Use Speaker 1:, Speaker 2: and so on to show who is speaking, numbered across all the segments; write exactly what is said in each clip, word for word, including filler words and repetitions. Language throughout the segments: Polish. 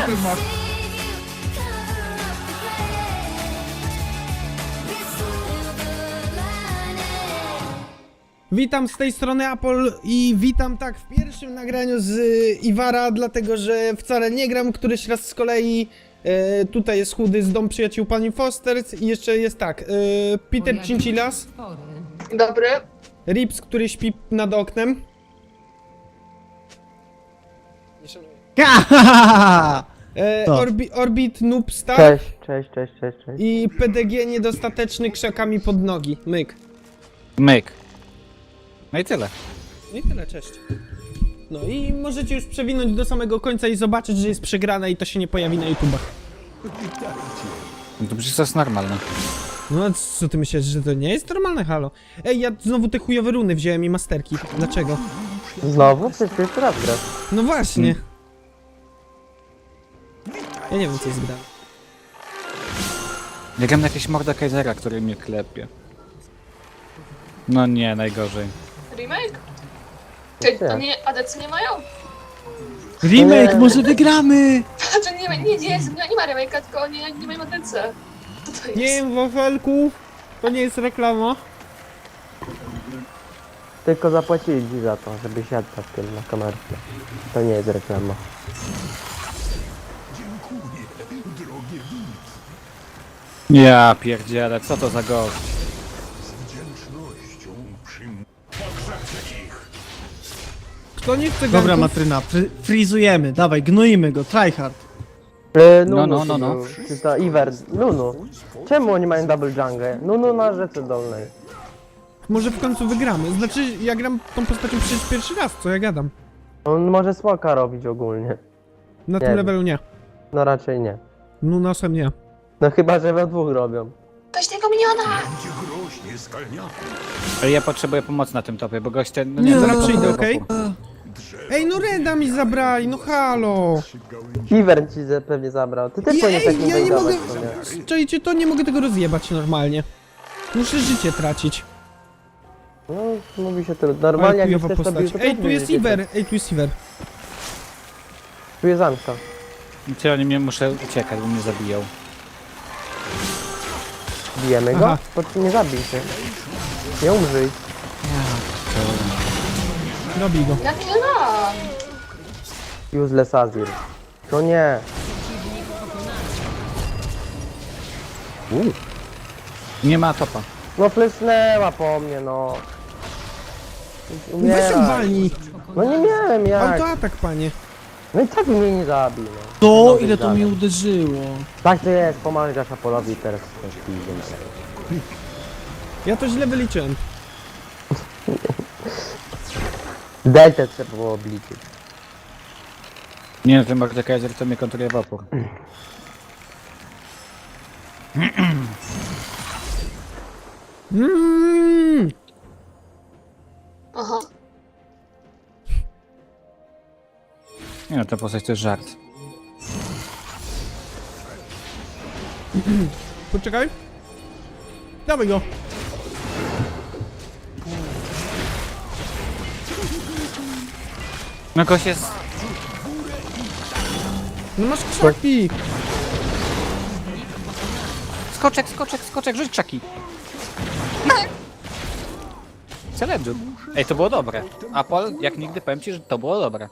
Speaker 1: Super masz.
Speaker 2: Witam z tej strony Apol i witam tak w pierwszym nagraniu z y, Iwara, dlatego że wcale nie gram któryś raz z kolei. E, tutaj jest chudy z Dom Przyjaciół Pani Fosters i jeszcze jest tak, e, Peter Cincilas,
Speaker 3: Dobry.
Speaker 2: Rips, który śpi nad oknem. E,
Speaker 4: To.
Speaker 2: Orbi, Orbit Noobstar
Speaker 5: Cześć, cześć, cześć, cześć, cześć.
Speaker 2: i P D G niedostateczny krzakami pod nogi. Myk.
Speaker 1: Myk. No i tyle.
Speaker 2: No i tyle, cześć. No i możecie już przewinąć do samego końca i zobaczyć, że jest przegrana i to się nie pojawi na YouTubach.
Speaker 1: No to przecież to jest normalne.
Speaker 2: No a co ty myślisz, że to nie jest normalne, halo? Ej, ja znowu te chujowe runy wziąłem i masterki. Dlaczego?
Speaker 5: Znowu? Przecież pierwszy raz grasz.
Speaker 2: No właśnie. Ja nie wiem, co jest grane.
Speaker 1: Ja gram na jakiegoś Mordekaisera, który mnie klepie. No nie, najgorzej.
Speaker 3: Remake? Ty, to nie, A D C nie mają?
Speaker 4: Remake, może wygramy!
Speaker 3: To nie, ma- nie, nie, jest, nie ma remake'a, tylko oni nie mają A D C. Co to jest?
Speaker 2: Nie wiem, wafelku. To nie jest reklama.
Speaker 5: Tylko zapłacili ci za to, żeby siadł na tym, na kamerce. To nie jest reklama.
Speaker 1: Ja pierdzielę, co to za gość?
Speaker 2: Kto nie chce
Speaker 4: Dobra,
Speaker 2: ganków?
Speaker 4: Matryna, fry, frizujemy, dawaj, gnoimy go, tryhard.
Speaker 5: E,
Speaker 1: No,
Speaker 5: Nunu,
Speaker 1: no, no, no.
Speaker 5: Czy to Iwer? Nunu. Czemu oni mają double jungle? Nunu na rzece dolnej.
Speaker 2: Może w końcu wygramy. Znaczy, ja gram tą postacią przecież pierwszy raz, co ja gadam.
Speaker 5: On może smoka robić ogólnie.
Speaker 2: Na tym
Speaker 5: wiem.
Speaker 2: levelu nie.
Speaker 5: No raczej nie.
Speaker 2: No nosem nie.
Speaker 5: No chyba, że we dwóch robią.
Speaker 3: Weź tego miniona!
Speaker 1: Ale ja potrzebuję pomocy na tym topie, bo gość ten... No
Speaker 4: Nie,
Speaker 2: Zaraz
Speaker 1: to-
Speaker 2: przyjdę,
Speaker 1: to-
Speaker 2: okej? Ej, no Reda mi zabrali, no halo.
Speaker 5: Iwer ci ze- pewnie zabrał. Ty też
Speaker 2: Ja,
Speaker 5: powinieneś
Speaker 2: ej,
Speaker 5: takim
Speaker 2: ja nie mogę...
Speaker 5: wejdować, to nie?
Speaker 2: Czajcie, to nie mogę tego rozjebać normalnie. Muszę życie tracić.
Speaker 5: No, mówi się to. Normalnie
Speaker 2: Ale
Speaker 5: jak
Speaker 2: chujowa
Speaker 5: chcesz to bił,
Speaker 2: postać.
Speaker 5: to
Speaker 2: Ej,
Speaker 5: też
Speaker 2: tu jest
Speaker 5: będziecie-
Speaker 2: Iwer, ej, tu jest Iwer.
Speaker 5: Tu jest Anka.
Speaker 1: Ty, oni mnie muszę uciekać, bo mnie zabiją.
Speaker 5: Bijemy go?
Speaker 2: Aha.
Speaker 5: To ty nie zabij się. Nie umrzyj.
Speaker 2: Robi go.
Speaker 3: Jakie lam?
Speaker 5: Useless Azir. To nie.
Speaker 1: Nie ma topa.
Speaker 5: No flesnęła po mnie, no.
Speaker 2: Weź
Speaker 5: Umieraj.
Speaker 2: ją walnij.
Speaker 5: No nie miałem jak.
Speaker 2: Autoatak, panie.
Speaker 5: No i tak mnie nie zabił, no.
Speaker 4: To,
Speaker 5: Dobry
Speaker 4: ile to
Speaker 5: dalej.
Speaker 4: mi uderzyło.
Speaker 5: Tak to jest, pomagasz Apolowi teraz. to jest easy.
Speaker 2: Ja to źle wyliczyłem.
Speaker 5: Delta trzeba było obliczyć.
Speaker 1: Nie, ten Mordekaiser to mnie kontruje w opór.
Speaker 2: Mm.
Speaker 3: Aha.
Speaker 1: Nie no, ta postać to jest żart.
Speaker 2: Poczekaj. Dawaj go.
Speaker 1: No gość jest...
Speaker 2: No masz krzaki.
Speaker 1: Skoczek, skoczek, skoczek, rzuć czaki. Celedżu. Ej, to było dobre. Apol, jak nigdy powiem ci, że to było dobre.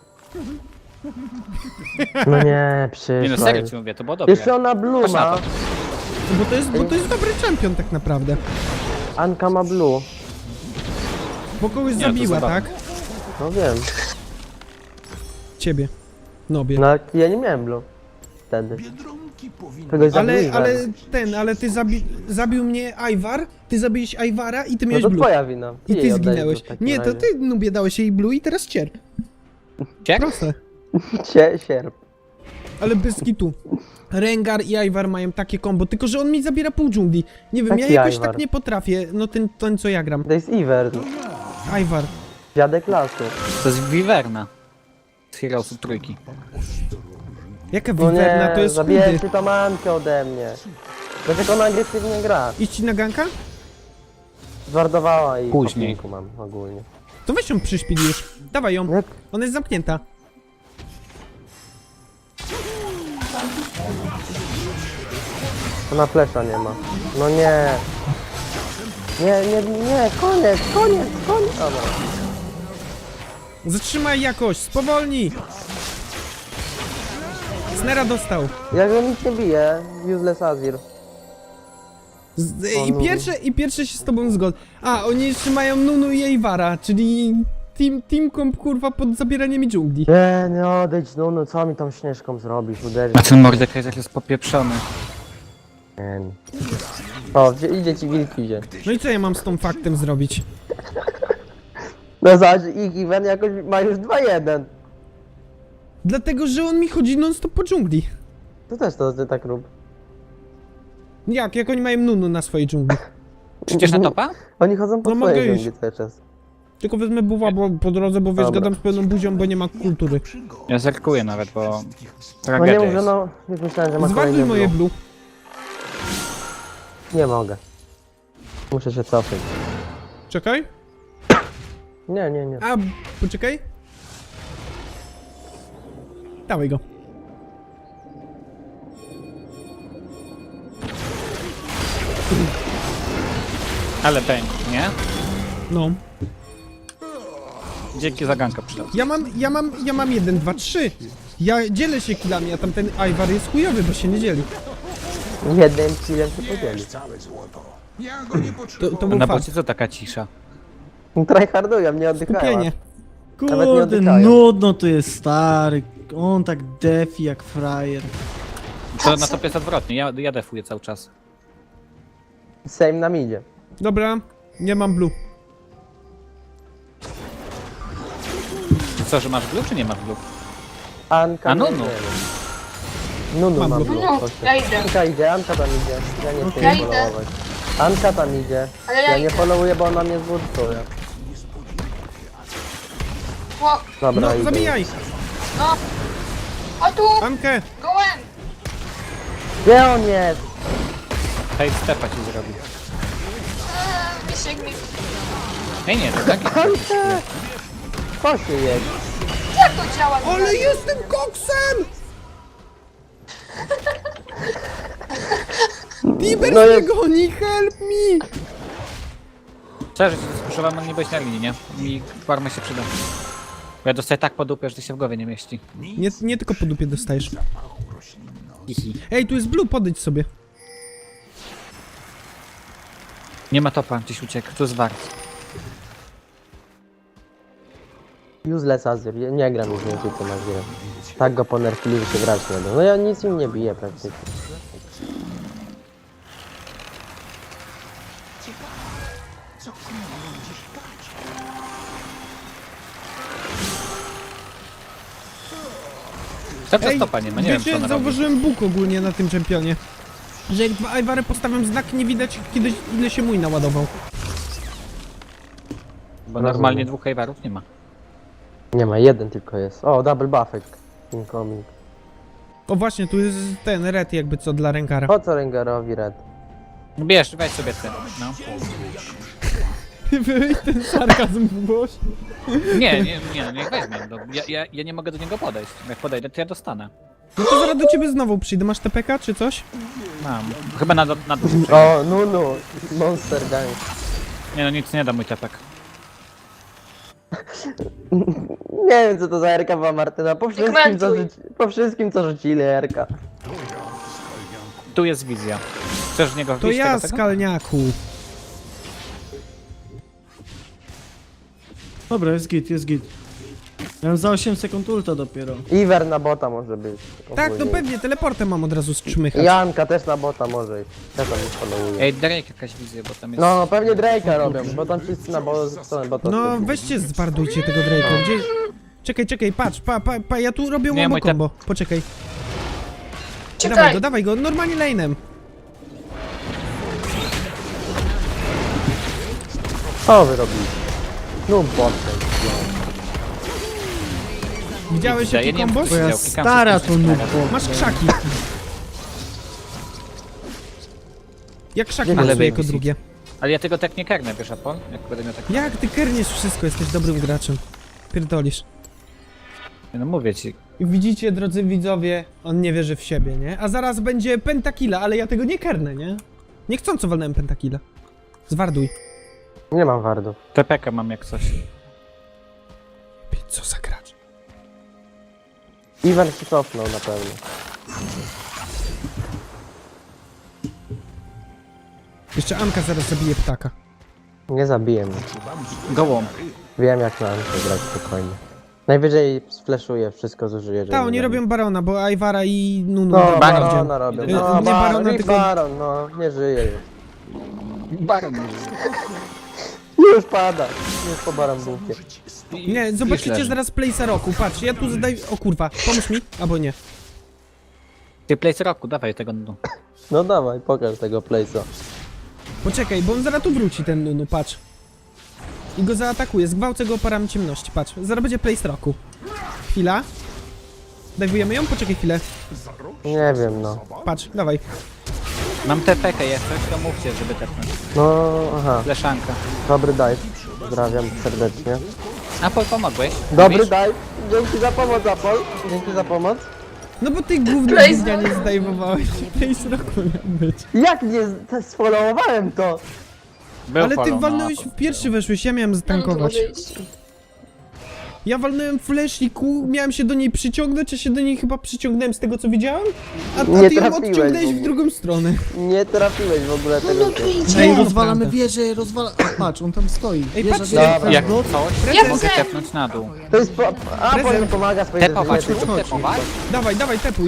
Speaker 5: No nie,
Speaker 1: Nie no,
Speaker 5: przyszła.
Speaker 1: serio ci mówię, to było dobre.
Speaker 5: Jeszcze ona blue
Speaker 1: Patrz na
Speaker 5: ma.
Speaker 1: to.
Speaker 2: Bo to jest, bo to jest dobry champion tak naprawdę.
Speaker 5: Anka ma blue.
Speaker 2: Bo kogoś
Speaker 1: Nie, to
Speaker 2: zabiła,
Speaker 1: zabawne.
Speaker 2: tak?
Speaker 5: No wiem.
Speaker 2: Ciebie. Nobie.
Speaker 5: No ja nie miałem blue. Wtedy. Kogoś zabił
Speaker 2: Ale,
Speaker 5: Iwer.
Speaker 2: ale ten, ale ty zabi zabił mnie Ivar, ty zabiłeś Ivara i ty
Speaker 5: No
Speaker 2: miałeś
Speaker 5: to
Speaker 2: blue.
Speaker 5: twoja wina.
Speaker 2: I
Speaker 5: jej
Speaker 2: ty
Speaker 5: oddajesz
Speaker 2: zginęłeś.
Speaker 5: blue w takim
Speaker 2: Nie, to
Speaker 5: razie.
Speaker 2: ty Nubie dałeś jej blue i teraz cierp.
Speaker 1: Ciek?
Speaker 2: Proste.
Speaker 5: Cie, sierp.
Speaker 2: Ale bez kitu. Rengar i Ivar mają takie combo, tylko że on mi zabiera pół dżungli. Nie wiem,
Speaker 5: Taki
Speaker 2: ja jakoś
Speaker 5: Ivar.
Speaker 2: tak nie potrafię, no ten, ten co ja gram.
Speaker 5: To jest Iwer.
Speaker 2: Ivar.
Speaker 5: Dziadek lasu.
Speaker 1: To jest Wiverna. Z Heroesów trójki.
Speaker 2: Jaka
Speaker 5: No
Speaker 2: wiwerna,
Speaker 5: nie,
Speaker 2: to jest chudy.
Speaker 5: zabijecie tą Ankę ode mnie. Dlaczego ona agresywnie gra?
Speaker 2: Iść ci na ganka?
Speaker 5: Zwardowała i
Speaker 1: Później.
Speaker 5: po pinku mam ogólnie.
Speaker 2: To weź ją przyszpil już. Dawaj ją.
Speaker 5: Jak?
Speaker 2: Ona jest zamknięta.
Speaker 5: Ona flesza nie ma. No nie. Nie, nie, nie, koniec, koniec, koniec. Dobra.
Speaker 2: Zatrzymaj jakoś, spowolnij! Snera dostał.
Speaker 5: Jak on nic nie bije, useless Azir.
Speaker 2: Z,
Speaker 5: O,
Speaker 2: i,
Speaker 5: Nunu.
Speaker 2: pierwsze, I pierwsze się z tobą zgodzę. A, oni jeszcze mają Nunu i Eivara, czyli team, team comp kurwa pod zabieranie mi dżungli.
Speaker 5: Nie, nie odejdź, no, no co mi tą śnieżką zrobisz, uderzysz?
Speaker 1: A ten Mordekaiser jest popieprzony.
Speaker 5: Nie. O, gdzie, idzie ci wilk idzie.
Speaker 2: No i co ja mam z tą faktem zrobić?
Speaker 5: No zobacz, ich event jakoś ma już dwa jeden.
Speaker 2: Dlatego, że on mi chodzi non stop po dżungli.
Speaker 5: To też to ty tak rób.
Speaker 2: Jak? Jak oni mają Nunu na swojej dżungli?
Speaker 1: Przecież na topa?
Speaker 5: Oni chodzą po
Speaker 2: No mogę
Speaker 5: swojej
Speaker 2: iść.
Speaker 5: dżungli cały czas.
Speaker 2: Tylko wezmę buwa bo, po drodze, bo wiesz,
Speaker 5: Dobra.
Speaker 2: gadam z pełną buzią, bo nie ma kultury.
Speaker 1: Ja zerkuję nawet, bo...
Speaker 5: No nie
Speaker 1: Tragedia
Speaker 5: mów, że
Speaker 1: jest.
Speaker 5: no, już myślałem, że ma
Speaker 2: Zwaduj
Speaker 5: kolejny
Speaker 2: moje
Speaker 5: blue.
Speaker 2: blue.
Speaker 5: Nie mogę. Muszę się cofać.
Speaker 2: Czekaj.
Speaker 5: Nie, nie, nie.
Speaker 2: A, poczekaj. Dawaj go.
Speaker 1: Ale pęk, nie?
Speaker 2: No.
Speaker 1: Dzięki za ganka przydał.
Speaker 2: Ja mam, ja mam, ja mam jeden, dwa, trzy. Ja dzielę się killami, a tamten Ivar jest chujowy, bo się nie dzieli.
Speaker 5: Jednym killem się podzieli.
Speaker 2: To, to był
Speaker 1: Na
Speaker 2: fakt.
Speaker 1: bocie co taka cisza?
Speaker 5: Tryhardują, nie oddychają.
Speaker 2: Skupienie.
Speaker 5: Nawet nie
Speaker 4: Kurde,
Speaker 5: oddychają.
Speaker 4: nudno tu jest stary. On tak defi jak frajer.
Speaker 1: To na topie jest odwrotnie, ja, ja defuję cały czas.
Speaker 5: Same nam idzie.
Speaker 2: Dobra, nie mam blue.
Speaker 1: Co, że masz blue, czy nie masz blue?
Speaker 5: Anka.
Speaker 1: A, Nunu.
Speaker 5: nie wiem. Nunu
Speaker 2: Mam
Speaker 5: mam
Speaker 2: blue.
Speaker 5: blue,
Speaker 3: No,
Speaker 5: proszę.
Speaker 3: ja idę.
Speaker 5: Anka idzie, Anka tam idzie. Ja nie chcę
Speaker 3: Ja
Speaker 5: jej
Speaker 3: idę.
Speaker 5: followować. Anka tam idzie.
Speaker 3: Ale ja
Speaker 5: Ja nie
Speaker 3: idę.
Speaker 5: followuję, bo ona mnie zburtuje.
Speaker 3: O,
Speaker 5: Dobra,
Speaker 2: No,
Speaker 5: idę.
Speaker 2: zabijaj!
Speaker 3: no. O tu,
Speaker 2: Ankę!
Speaker 3: gołem.
Speaker 5: Gdzie on jest?
Speaker 1: Hej, stepa ci zrobi.
Speaker 3: Eee, Misiek mi...
Speaker 1: Ej, nie, to tak jest.
Speaker 5: Anka! Co się jest?
Speaker 3: Jak to działa?
Speaker 2: Ale jestem koksem! Tiber
Speaker 5: No
Speaker 2: mnie
Speaker 5: jest-
Speaker 2: goni, help me!
Speaker 1: Szczerze, ci spuszczowałem, ale nie byłeś na linii, nie? Mi farma się przyda. Bo ja dostaję tak po dupie, że to się w głowie nie mieści.
Speaker 2: Nie, nie tylko po dupie dostajesz.
Speaker 1: Hihi.
Speaker 2: Ej, tu jest blue, podejdź sobie.
Speaker 1: Nie ma topa, gdzieś uciekł, tu jest wart.
Speaker 5: Useless Azir, ja nie gram już więcej tym Azirem. Tak go ponerfili, że się grać nie da. No ja nic im nie biję praktycznie.
Speaker 1: Cały czas
Speaker 2: Ej,
Speaker 1: topa nie ma, nie wiem co
Speaker 2: wiecie,
Speaker 1: on robi.
Speaker 2: zauważyłem Bóg ogólnie na tym czempionie. Że jak dwa Iwary postawiam znak, nie widać kiedy, ile się mój naładował.
Speaker 1: Bo normalnie dwóch hejwarów nie ma.
Speaker 5: Nie ma, jeden tylko jest. O, double buffek. Incoming.
Speaker 2: O właśnie, tu jest ten red jakby co dla Renkara.
Speaker 5: Po co Rengarowi red?
Speaker 1: Bierz, weź sobie ten, no.
Speaker 2: Wyjść ten sarkazm w głosie.
Speaker 1: Nie, nie, nie, niech weźmie. No, ja, ja, ja nie mogę do niego podejść. Jak podejdę, to ja dostanę.
Speaker 2: No to zaraz do ciebie znowu przyjdę. Masz T P K czy coś?
Speaker 1: Mam. Chyba na, na duży
Speaker 5: O, Nunu, Monster Gang.
Speaker 1: Nie no, nic nie da mój tepek.
Speaker 5: Nie wiem co to za Erka była Martyna. Po wszystkim co,
Speaker 3: Komentuj.
Speaker 5: rzuci... po wszystkim co rzucili Erka.
Speaker 1: Tu jest wizja. Chcesz w niego
Speaker 2: To
Speaker 1: wbić
Speaker 2: ja,
Speaker 1: tego, tego?
Speaker 2: skalniaku.
Speaker 4: Dobra, jest git, jest git. Ja mam za osiem sekund ulta dopiero.
Speaker 5: Iwer na bota może być.
Speaker 2: Tak, to
Speaker 5: ogólnie.
Speaker 2: pewnie, teleportem mam od razu strzymychać.
Speaker 5: Janka też na bota może iść. Ja tam nie followuję.
Speaker 1: Ej, Drake jakaś wizja, bo tam jest...
Speaker 5: No, no pewnie Drake'a robią, bo tam wszyscy na bo stronę bota.
Speaker 2: No
Speaker 5: odchodzili.
Speaker 2: weźcie, zbardujcie tego Drake'a. Gdzie... Czekaj, czekaj, patrz, pa, pa, pa, ja tu robię
Speaker 1: Nie,
Speaker 2: łombo
Speaker 1: mój te-
Speaker 2: combo. Poczekaj. Dawaj
Speaker 3: Czekaj.
Speaker 2: go, dawaj go, normalnie lane'em.
Speaker 5: Co wy robicie? No botem.
Speaker 2: Widziałeś
Speaker 1: Ja
Speaker 2: jaki
Speaker 1: nie wiem,
Speaker 2: kombos?
Speaker 1: co
Speaker 4: Bo ja
Speaker 1: Widział, klikam
Speaker 4: stara
Speaker 1: coś
Speaker 4: to
Speaker 1: na
Speaker 4: nubbo.
Speaker 2: Masz krzaki. Jak krzaki
Speaker 1: Ale
Speaker 2: losuję
Speaker 1: baby
Speaker 2: jako
Speaker 1: seat.
Speaker 2: drugie.
Speaker 1: Ale ja tego tak nie karnę, wiesz, Apol? Jak będę miał tak...
Speaker 2: Jak ty kerniesz wszystko, jesteś dobrym graczem. Pierdolisz.
Speaker 1: No mówię ci,
Speaker 2: I widzicie, drodzy widzowie, on nie wierzy w siebie, nie? A zaraz będzie pentakilla, ale ja tego nie kernę, nie? Niechcąco walnąłem pentakilla. Zwarduj.
Speaker 5: Nie mam wardów.
Speaker 1: T P K mam jak coś.
Speaker 2: Co za gracz?
Speaker 5: Iwan się cofnął na pewno.
Speaker 2: Jeszcze Anka zaraz zabije ptaka.
Speaker 5: Nie zabiję mnie.
Speaker 1: Gołą.
Speaker 5: Wiem jak na Ankę grać spokojnie. Najwyżej sfleszuję, wszystko zużyję, żeby...
Speaker 2: Tak, oni
Speaker 5: zabić.
Speaker 2: robią Barona, bo Ajwara i Nunu...
Speaker 5: No,
Speaker 2: tam
Speaker 1: Baron.
Speaker 2: bardziej.
Speaker 5: Barona robią.
Speaker 2: Y,
Speaker 5: No,
Speaker 2: nie
Speaker 5: Baron,
Speaker 2: Barona,
Speaker 5: i
Speaker 2: tylko-
Speaker 5: Baron, no, nie żyje już.
Speaker 1: Baron.
Speaker 5: Już pada. Już po Baron bułkie.
Speaker 2: Nie, zobaczycie
Speaker 1: leży.
Speaker 2: zaraz Place'a roku. Patrz, ja tu zadaję... O kurwa, pomóż mi, albo nie.
Speaker 1: Ty place roku, dawaj tego no.
Speaker 5: No dawaj, pokaż tego place'a.
Speaker 2: Poczekaj, bo on zaraz tu wróci, ten Nunu, patrz. I go zaatakuje, zgwałcę go parami ciemności, patrz. Zaraz będzie Place roku. Chwila. Dajwujemy ją? Poczekaj chwilę.
Speaker 5: Nie wiem, no.
Speaker 2: Patrz, dawaj.
Speaker 1: Mam T P K jeszcze, to mówcie, żeby tepnąć.
Speaker 5: No, aha.
Speaker 1: Fleszanka.
Speaker 5: Dobry dive. Pozdrawiam serdecznie.
Speaker 1: Apol, pomogłeś?
Speaker 5: Dobry
Speaker 1: Mówisz?
Speaker 5: dive. Dzięki za pomoc, Apol. Dzięki za pomoc.
Speaker 2: No bo ty gówno
Speaker 3: Place
Speaker 2: gównia nie zdejmowałeś. Place roku miał być.
Speaker 5: Jak nie z- sfollowowałem to?
Speaker 1: Był
Speaker 2: Ale ty
Speaker 1: follow,
Speaker 2: walnąłeś
Speaker 1: no.
Speaker 2: w pierwszy weszłeś, ja miałem
Speaker 3: No, no to
Speaker 2: zatankować.
Speaker 3: może iść.
Speaker 2: Ja walnąłem flash i ku, miałem się do niej przyciągnąć, a się do niej chyba przyciągnąłem z tego co widziałem. A, a
Speaker 5: Nie
Speaker 2: ty ją
Speaker 5: trafiłeś
Speaker 2: odciągnąłeś
Speaker 5: w
Speaker 2: w
Speaker 5: ogóle.
Speaker 2: drugą stronę.
Speaker 5: Nie trafiłeś w ogóle
Speaker 3: No,
Speaker 5: tego.
Speaker 3: no tu
Speaker 5: typu.
Speaker 3: idzie.
Speaker 4: Ej,
Speaker 2: no,
Speaker 4: rozwalamy
Speaker 2: prawda.
Speaker 4: wieżę, rozwala... A, patrz, on tam stoi.
Speaker 2: Ej,
Speaker 4: Wieża
Speaker 2: patrzcie.
Speaker 4: do-
Speaker 5: Dobra.
Speaker 1: Jak
Speaker 4: do-
Speaker 1: coś,
Speaker 3: Ja
Speaker 1: mogę
Speaker 3: chcę.
Speaker 1: tepnąć na dół.
Speaker 5: To jest po... Apol mi
Speaker 2: Prezent.
Speaker 5: pomaga swoje
Speaker 1: Tepować,
Speaker 5: rzeczy.
Speaker 1: tu tepować?
Speaker 2: Dawaj, dawaj, tepuj.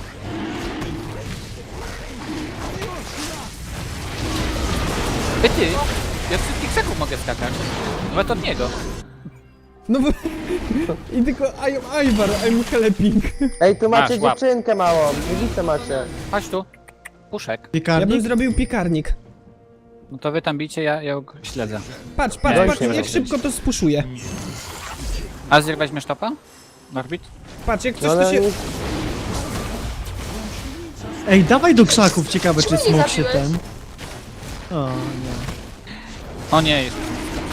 Speaker 1: Ej ty, ja z wszystkich krzaków mogę skakać. Nawet od niego.
Speaker 2: No bo... I tylko I am Ivar, I'm helping.
Speaker 5: Ej, tu macie
Speaker 1: Masz, łap.
Speaker 5: dziewczynkę małą. Widzicie macie.
Speaker 1: Chodź tu. Puszek.
Speaker 2: Ja bym
Speaker 4: Piekarnik?
Speaker 2: zrobił piekarnik.
Speaker 1: No to wy tam bicie, ja, ja go śledzę.
Speaker 2: Patrz, patrz,
Speaker 1: Nie,
Speaker 2: patrz,
Speaker 1: już nie
Speaker 2: jak
Speaker 1: będę
Speaker 2: szybko to spuszuje.
Speaker 1: Azir weźmiesz topa? Norbit?
Speaker 2: Patrz, jak coś
Speaker 5: No
Speaker 2: to
Speaker 5: ale
Speaker 2: się...
Speaker 5: nic.
Speaker 4: Ej, dawaj do krzaków, ciekawe czy
Speaker 3: Czemu nie
Speaker 4: smok się
Speaker 3: zabiłeś?
Speaker 4: ten... O, nie.
Speaker 1: O nie, jest.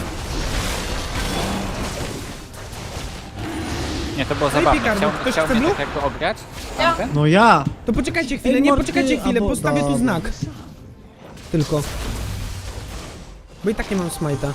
Speaker 1: Nie, to było zabawne.
Speaker 2: piekarnik,
Speaker 1: Chciał,
Speaker 2: ktoś
Speaker 1: chciał
Speaker 2: chce
Speaker 1: mnie
Speaker 2: blue?
Speaker 1: tak jakby ograć.
Speaker 3: Ja.
Speaker 1: Tamten?
Speaker 4: No ja!
Speaker 2: To poczekajcie chwilę,
Speaker 4: Ej,
Speaker 2: nie,
Speaker 4: mordy,
Speaker 2: poczekajcie chwilę,
Speaker 4: albo-
Speaker 2: postawię tu
Speaker 4: dobra.
Speaker 2: znak. Tylko. Bo i tak nie mam smajta.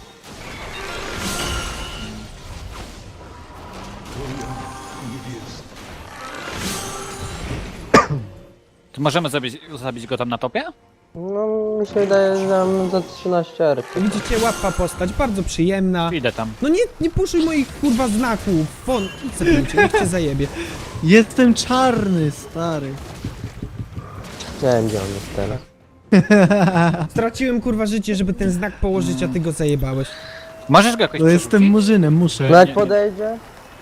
Speaker 1: To możemy zabić, zabić go tam na topie?
Speaker 5: No, mi się wydaje, że mam za trzynaście arki.
Speaker 2: Widzicie, łatwa postać, bardzo przyjemna.
Speaker 1: Idę tam.
Speaker 2: No nie, nie puszuj moich kurwa znaków. Won, idź sobie, niech cię zajebie.
Speaker 4: Jestem czarny, stary.
Speaker 5: Nie wiem gdzie on jest teraz.
Speaker 2: Straciłem kurwa życie, żeby ten znak położyć, a ty go zajebałeś.
Speaker 1: Możesz go jakoś
Speaker 4: To jestem
Speaker 1: przerzucić?
Speaker 4: murzynem, muszę.
Speaker 5: No jak
Speaker 1: nie.
Speaker 5: podejdzie?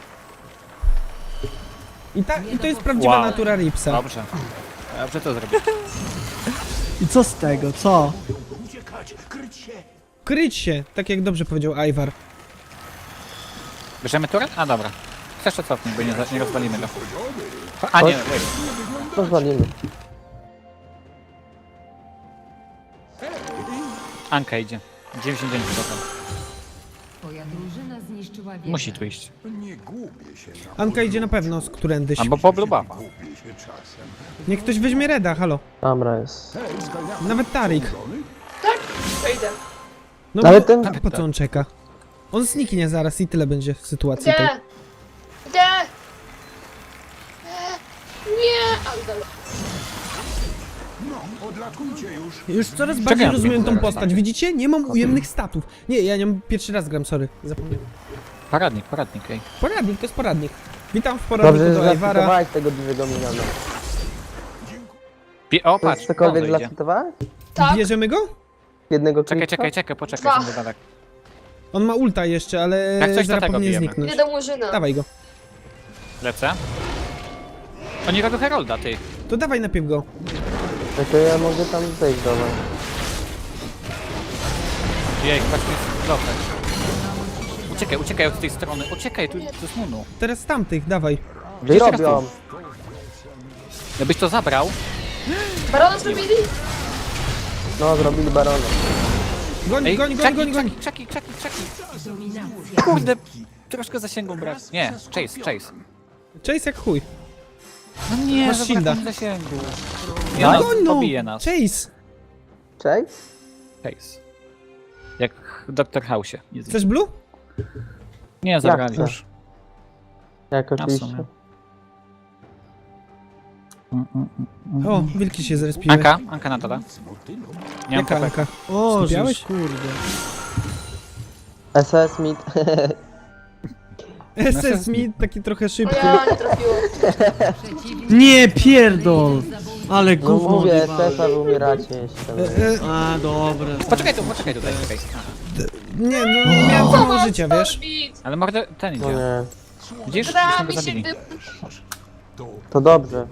Speaker 2: I, ta, i to jest prawdziwa
Speaker 1: Wow.
Speaker 2: natura Ripsa.
Speaker 1: Dobrze. Dobrze to zrobić.
Speaker 4: I co z tego, co?
Speaker 2: Kryć się, tak jak dobrze powiedział Ivar.
Speaker 1: Bierzemy turę? A dobra. Chcesz to cofnij, bo nie, za- nie rozwalimy go. A nie, wait.
Speaker 5: Rozwalimy.
Speaker 1: Anka idzie. dziewięćdziesiąt dziewięć procent.
Speaker 6: Twoja drużyna zniszczyła wieżę.
Speaker 1: Musi tu iść.
Speaker 2: Anka idzie na pewno z którędyś.
Speaker 1: Albo po blue buffa.
Speaker 2: Niech ktoś weźmie Reda, halo.
Speaker 5: Dobra jest.
Speaker 2: Nawet Tarik.
Speaker 3: Tak? To idę.
Speaker 2: No
Speaker 5: Ale
Speaker 2: bo,
Speaker 5: ten-
Speaker 2: a po co on czeka? On zniknie zaraz i tyle będzie sytuacji tej.
Speaker 3: Idę! Idę! E, Nie! Ale dalej.
Speaker 2: Już coraz bardziej
Speaker 1: Czekam.
Speaker 2: rozumiem tą postać, widzicie? Nie mam ujemnych statów. Nie, ja nie mam, pierwszy raz gram, sorry. Zapomniałem.
Speaker 1: Paradnik, paradnik, ej.
Speaker 2: Poradnik, to jest poradnik. Witam w poradniku
Speaker 5: Dobrze, że
Speaker 2: do Iwara.
Speaker 5: zlafitowałeś tego dużego miniona.
Speaker 1: Pi- o,
Speaker 5: To
Speaker 1: patrz,
Speaker 5: jest cokolwiek
Speaker 1: Bondo idzie.
Speaker 5: zlafitowałeś?
Speaker 3: Tak?
Speaker 2: Bierzemy go?
Speaker 5: Jednego
Speaker 1: Czekaj,
Speaker 5: klipa?
Speaker 1: czekaj, czekaj, poczekaj,
Speaker 3: Dwa.
Speaker 1: są daleko.
Speaker 2: On ma ulta jeszcze, ale
Speaker 1: Jak coś, to
Speaker 2: zaraz
Speaker 1: tego
Speaker 2: powinien
Speaker 1: bijemy.
Speaker 2: zniknąć.
Speaker 3: Idę do Murzyna.
Speaker 2: Dawaj go.
Speaker 1: Lecę. Oni robią Herolda, ty.
Speaker 2: To dawaj najpierw go.
Speaker 5: No to ja mogę tam zejść do was.
Speaker 1: Jej, patrz, tu jest bloker. Uciekaj, uciekaj od tej strony. Uciekaj, tu, tu jest Nunu.
Speaker 2: Teraz z tamtych, dawaj.
Speaker 5: Gdzie
Speaker 1: Jeszcze raz
Speaker 5: robią?
Speaker 1: Jakbyś to zabrał,
Speaker 3: Barona zrobili?
Speaker 5: No, zrobili barona.
Speaker 2: Goń,
Speaker 1: ej,
Speaker 2: goń, goń,
Speaker 1: czaki,
Speaker 2: goń, goń.
Speaker 1: czaki, czaki, czaki, czaki.
Speaker 6: Dominacja.
Speaker 1: Kurde, troszkę zasięgą brak. Nie, chase, chase.
Speaker 2: Chase jak chuj.
Speaker 1: No nie,
Speaker 2: Masz
Speaker 1: zabrakło
Speaker 2: shielda.
Speaker 1: mi zasięgu.
Speaker 2: No,
Speaker 1: Ja nas
Speaker 2: no,
Speaker 1: pobije nas.
Speaker 2: Chase!
Speaker 5: Cześć?
Speaker 1: Case. Jak w Doktor House'ie. Jezu.
Speaker 2: Chcesz blue?
Speaker 1: Nie, zabrali
Speaker 5: chcę.
Speaker 1: już.
Speaker 5: Jak
Speaker 1: A w
Speaker 5: oczywiście.
Speaker 1: sumie. Mm, mm, mm,
Speaker 2: O,
Speaker 1: mm.
Speaker 2: wilki się zrespiły.
Speaker 1: Anka, Anka na dole. Nie mam
Speaker 2: Jaka
Speaker 1: kopek.
Speaker 2: Anka?
Speaker 4: O,
Speaker 2: Skupiałeś?
Speaker 4: żeż, kurde.
Speaker 5: S S mid.
Speaker 2: S S mi taki trochę
Speaker 3: No
Speaker 2: szybki.
Speaker 3: ja nie trafiło.
Speaker 4: Nie pierdol! Ale
Speaker 5: No
Speaker 4: gówno
Speaker 5: mówię, S
Speaker 4: odjebałem.
Speaker 5: S a wy umieracie jeszcze.
Speaker 2: E, e,
Speaker 4: A, dobra.
Speaker 1: Poczekaj tu, poczekaj tutaj, czekaj.
Speaker 2: nie, no nie miałem za mało życia, wiesz?
Speaker 3: Bit.
Speaker 1: Ale mordę, ten
Speaker 5: No
Speaker 1: idzie.
Speaker 5: nie.
Speaker 1: Widzisz? Już
Speaker 3: Gra
Speaker 1: go
Speaker 3: mi się
Speaker 1: zabili.
Speaker 3: wy...
Speaker 5: To dobrze.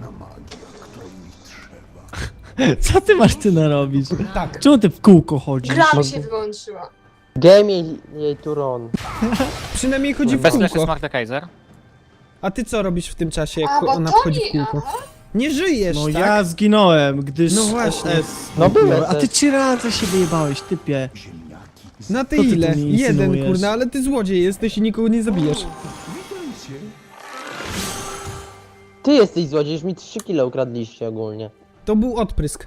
Speaker 4: Co ty masz ty narobić?
Speaker 2: Tak.
Speaker 4: Czemu ty w kółko chodzisz?
Speaker 3: Gra mi się wyłączyła.
Speaker 5: Game jej, jej turon.
Speaker 2: Przynajmniej chodzi w
Speaker 1: Bez fleszy
Speaker 2: kółko.
Speaker 1: Mordekaiser.
Speaker 2: A ty co robisz w tym czasie, jak
Speaker 3: A, bo
Speaker 2: ona
Speaker 3: to
Speaker 2: wchodzi w
Speaker 3: nie...
Speaker 2: kółko?
Speaker 3: Aha.
Speaker 2: Nie żyjesz,
Speaker 4: No
Speaker 2: tak?
Speaker 4: ja zginąłem, gdyż...
Speaker 2: No właśnie.
Speaker 4: S S
Speaker 5: No był
Speaker 4: A ty
Speaker 5: S S.
Speaker 4: trzy razy się wyjebałeś, typie.
Speaker 2: Na ty
Speaker 4: Co ty tu
Speaker 2: ile?
Speaker 4: mi
Speaker 2: Jeden,
Speaker 4: insynuujesz?
Speaker 2: kurna, ale ty złodziej jesteś i nikogo nie zabijesz.
Speaker 5: Ty jesteś złodziej, już mi trzy kile ukradliście ogólnie.
Speaker 2: To był odprysk.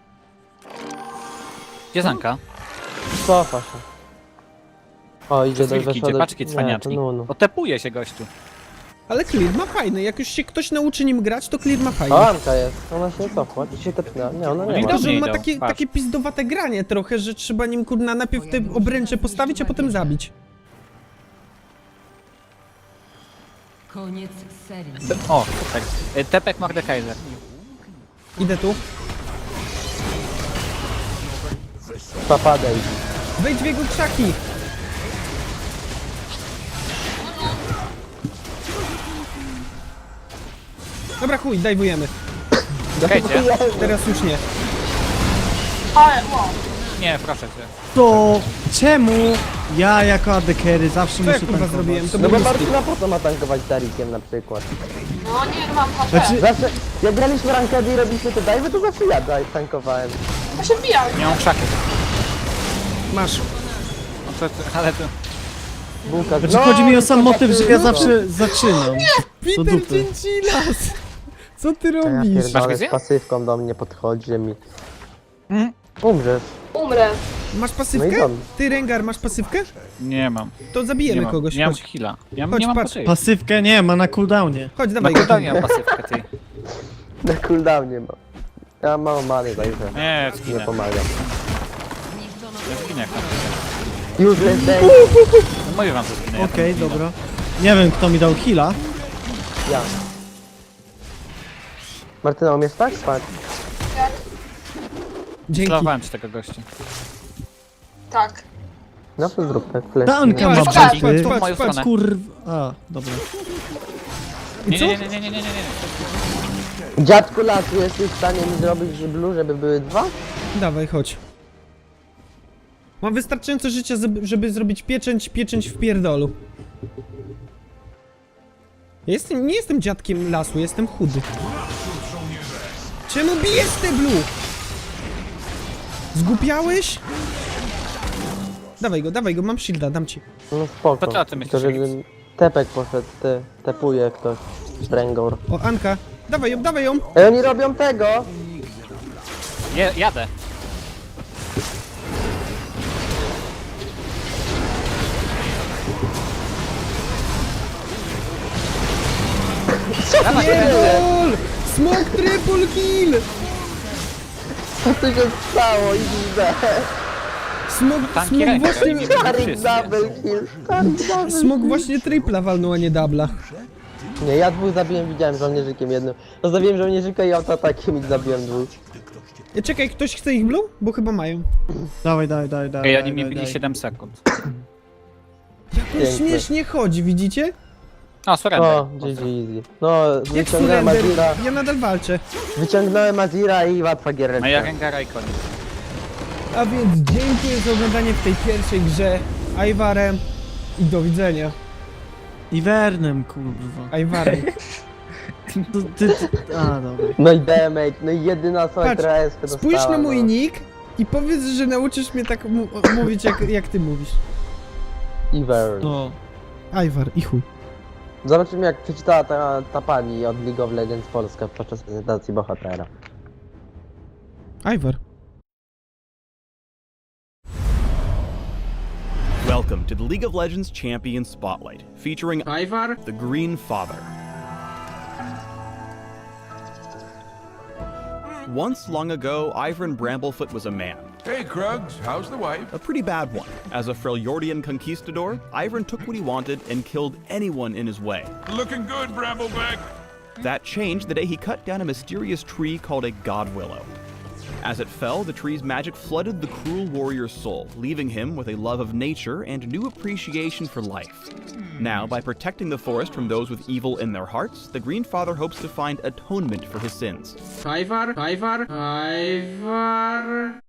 Speaker 1: Gdzie jest Anka?
Speaker 5: Cofa się. O, idzie do
Speaker 1: Wilki
Speaker 5: weszła
Speaker 1: idzie,
Speaker 5: do...
Speaker 1: paczki
Speaker 5: Nie, to
Speaker 1: cwaniaczki.
Speaker 5: Nunu.
Speaker 1: Otepuje się gościu.
Speaker 2: Ale Clear ma fajny, jak już się ktoś nauczy nim grać, to Clear ma fajny.
Speaker 5: O, Anka jest. Ona się nie cofła, czy się tepnęła? Nie, ona
Speaker 1: No
Speaker 5: nie
Speaker 1: i
Speaker 5: ma.
Speaker 2: To, że on ma
Speaker 1: idą,
Speaker 2: takie,
Speaker 1: patrz.
Speaker 2: takie pizdowate granie trochę, że trzeba nim kurna najpierw te obręcze postawić, a potem zabić.
Speaker 6: Koniec serii.
Speaker 1: O, tak. Y, Tepek Mordekaiser.
Speaker 2: Idę tu.
Speaker 5: Papadej.
Speaker 2: Wejdź w jego krzaki. Dobra, chuj, dajwujemy.
Speaker 1: Czekajcie.
Speaker 2: Teraz już nie.
Speaker 3: Ale, wow.
Speaker 1: Nie, proszę cię.
Speaker 4: To czemu ja jako A D carry zawsze
Speaker 2: Co
Speaker 4: muszę
Speaker 2: ja kurwa
Speaker 4: tankować?
Speaker 2: zrobiłem? To
Speaker 5: No
Speaker 2: był
Speaker 5: bo
Speaker 2: mistik.
Speaker 5: Martyna po co ma tankować Tarikiem na przykład?
Speaker 3: No nie, no mam H P.
Speaker 4: Znaczy-
Speaker 5: Zawsze, jak graliśmy rankedy i robiliśmy te dive'y, to zawsze ja daj- tankowałem.
Speaker 3: Bo się wbijam.
Speaker 1: Nie mam krzaków.
Speaker 2: Masz.
Speaker 1: No to, to, ale to...
Speaker 5: Bułka.
Speaker 4: Znaczy chodzi mi o sam motyw, że ja zawsze zaczynam. Do
Speaker 2: Peter
Speaker 4: dupy.
Speaker 2: Gentilas! Co ty
Speaker 5: A ja
Speaker 2: robisz?
Speaker 1: Masz
Speaker 5: pierdolę,
Speaker 1: wizję?
Speaker 5: z pasywką do mnie podchodzi, że mi...
Speaker 1: Mhm.
Speaker 5: Umrzesz.
Speaker 3: Umrę.
Speaker 2: Masz
Speaker 5: No i
Speaker 2: pasywkę?
Speaker 5: dobrze.
Speaker 2: Ty, Rengar, masz pasywkę?
Speaker 1: Nie mam.
Speaker 2: To
Speaker 1: Nie
Speaker 2: zabijemy
Speaker 1: mam.
Speaker 2: kogoś.
Speaker 1: Nie mam
Speaker 2: Chodź,
Speaker 1: heala. Ja
Speaker 2: Chodź,
Speaker 1: nie mam
Speaker 2: patrz.
Speaker 1: pasywki.
Speaker 4: Pasywkę nie, ma na cooldownie.
Speaker 2: chodź,
Speaker 1: Na
Speaker 2: dawaj go.
Speaker 1: cooldownie mam pasywkę, ty.
Speaker 5: Na cooldownie mam. Ja mam mało many, także
Speaker 1: Nie,
Speaker 5: nie
Speaker 1: zginę.
Speaker 5: pomagam.
Speaker 1: Ja zginę.
Speaker 5: Useless day.
Speaker 1: No mówię wam, że zginę. ja
Speaker 4: Okej,
Speaker 1: tam zginę.
Speaker 4: dobra. Nie wiem kto mi dał heala.
Speaker 5: Ja. Martyna, umiesz tak spać?
Speaker 3: Jak?
Speaker 2: Dzięki.
Speaker 1: Slowałem ci tego gościa.
Speaker 3: Tak.
Speaker 5: No to zrób tak, flash.
Speaker 4: Ta Anka ma
Speaker 2: Patrz,
Speaker 3: patrz,
Speaker 4: bety.
Speaker 1: w moją
Speaker 2: patrz, patrz.
Speaker 1: stronę.
Speaker 4: Kurw... A, dobra.
Speaker 1: Nie,
Speaker 2: co?
Speaker 1: nie, nie, nie, nie, nie, nie, nie.
Speaker 5: Dziadku lasu, jesteś w stanie mi zrobić blue, żeby były dwa?
Speaker 2: Dawaj, chodź. Mam wystarczająco życia, zeb- żeby zrobić pieczęć, pieczęć w pierdolu. Ja jestem, nie jestem dziadkiem lasu, jestem chudy. Czemu bijesz te blue? Zgłupiałeś? Dawaj go, dawaj go, mam shielda, dam ci.
Speaker 5: No spoko.
Speaker 1: To co ty myślisz,
Speaker 5: To żeby tepek poszedł, ty, tepuje ktoś. Brengor.
Speaker 2: O, Anka, dawaj ją, dawaj ją.
Speaker 5: Ej, oni robią tego!
Speaker 1: Je, jadę. Dawaj,
Speaker 2: Pierdol! Smoke triple kill!
Speaker 5: Co tu się stało? Idę.
Speaker 2: Smok,
Speaker 1: tanki
Speaker 2: smok
Speaker 1: ręka,
Speaker 2: właśnie,
Speaker 1: nie
Speaker 5: Tarik
Speaker 1: wszyscy.
Speaker 5: double kill. Tarik double
Speaker 2: smok właśnie tripla walnął, a nie dubla.
Speaker 5: Nie, ja dwóch zabiłem, widziałem żołnierzykiem jednym. No zabiłem żołnierzyka i autoatakiem i zabiłem dwóch.
Speaker 2: E, Czekaj, ktoś chce ich blue? Bo chyba mają.
Speaker 4: Dawaj, dawaj, dawaj, dawaj.
Speaker 1: Ej, oni
Speaker 4: dawaj,
Speaker 1: mnie bili
Speaker 4: dawaj.
Speaker 1: siedem sekund.
Speaker 2: Jak on
Speaker 5: Piękne.
Speaker 2: śmiesznie chodzi, widzicie?
Speaker 1: O, surrender.
Speaker 5: O, G G easy. No,
Speaker 2: Jak
Speaker 5: wyciągnąłem
Speaker 2: surrender?
Speaker 5: Azira,
Speaker 2: Ja nadal walczę.
Speaker 5: wyciągnąłem Azira i łatwa
Speaker 1: A ja
Speaker 5: giereczka.
Speaker 1: Rengara i koniec.
Speaker 2: A więc dziękuję za oglądanie w tej pierwszej grze Ivarem i do widzenia.
Speaker 4: Iwernem, kurwa.
Speaker 2: Ivarem.
Speaker 4: To, ty, ty, a, dobra.
Speaker 5: No i damage, no i jedyna osoba,
Speaker 2: Patrz,
Speaker 5: która jest dostała,
Speaker 2: Spójrz na mój
Speaker 5: no.
Speaker 2: nick i powiedz, że nauczysz mnie tak mu mówić jak, jak ty mówisz.
Speaker 5: Ivern.
Speaker 4: No.
Speaker 2: Ivar i chuj.
Speaker 5: Zobaczymy jak przeczytała ta, ta pani od League of Legends Polska podczas prezentacji bohatera.
Speaker 2: Ivor.
Speaker 7: Welcome to the League of Legends Champion Spotlight, featuring
Speaker 8: Ivar?
Speaker 7: the Green Father. Once long ago, Ivern Bramblefoot was a man.
Speaker 9: Hey, Krugs, how's the wife?
Speaker 7: A pretty bad one. As a Freljordian conquistador, Ivern took what he wanted and killed anyone in his way.
Speaker 9: Looking good, Brambleback.
Speaker 7: That changed the day he cut down a mysterious tree called a God Willow. As it fell, the tree's magic flooded the cruel warrior's soul, leaving him with a love of nature and new appreciation for life. Now, by protecting the forest from those with evil in their hearts, the Green Father hopes to find atonement for his sins.
Speaker 8: Ivar? Ivar? Ivar?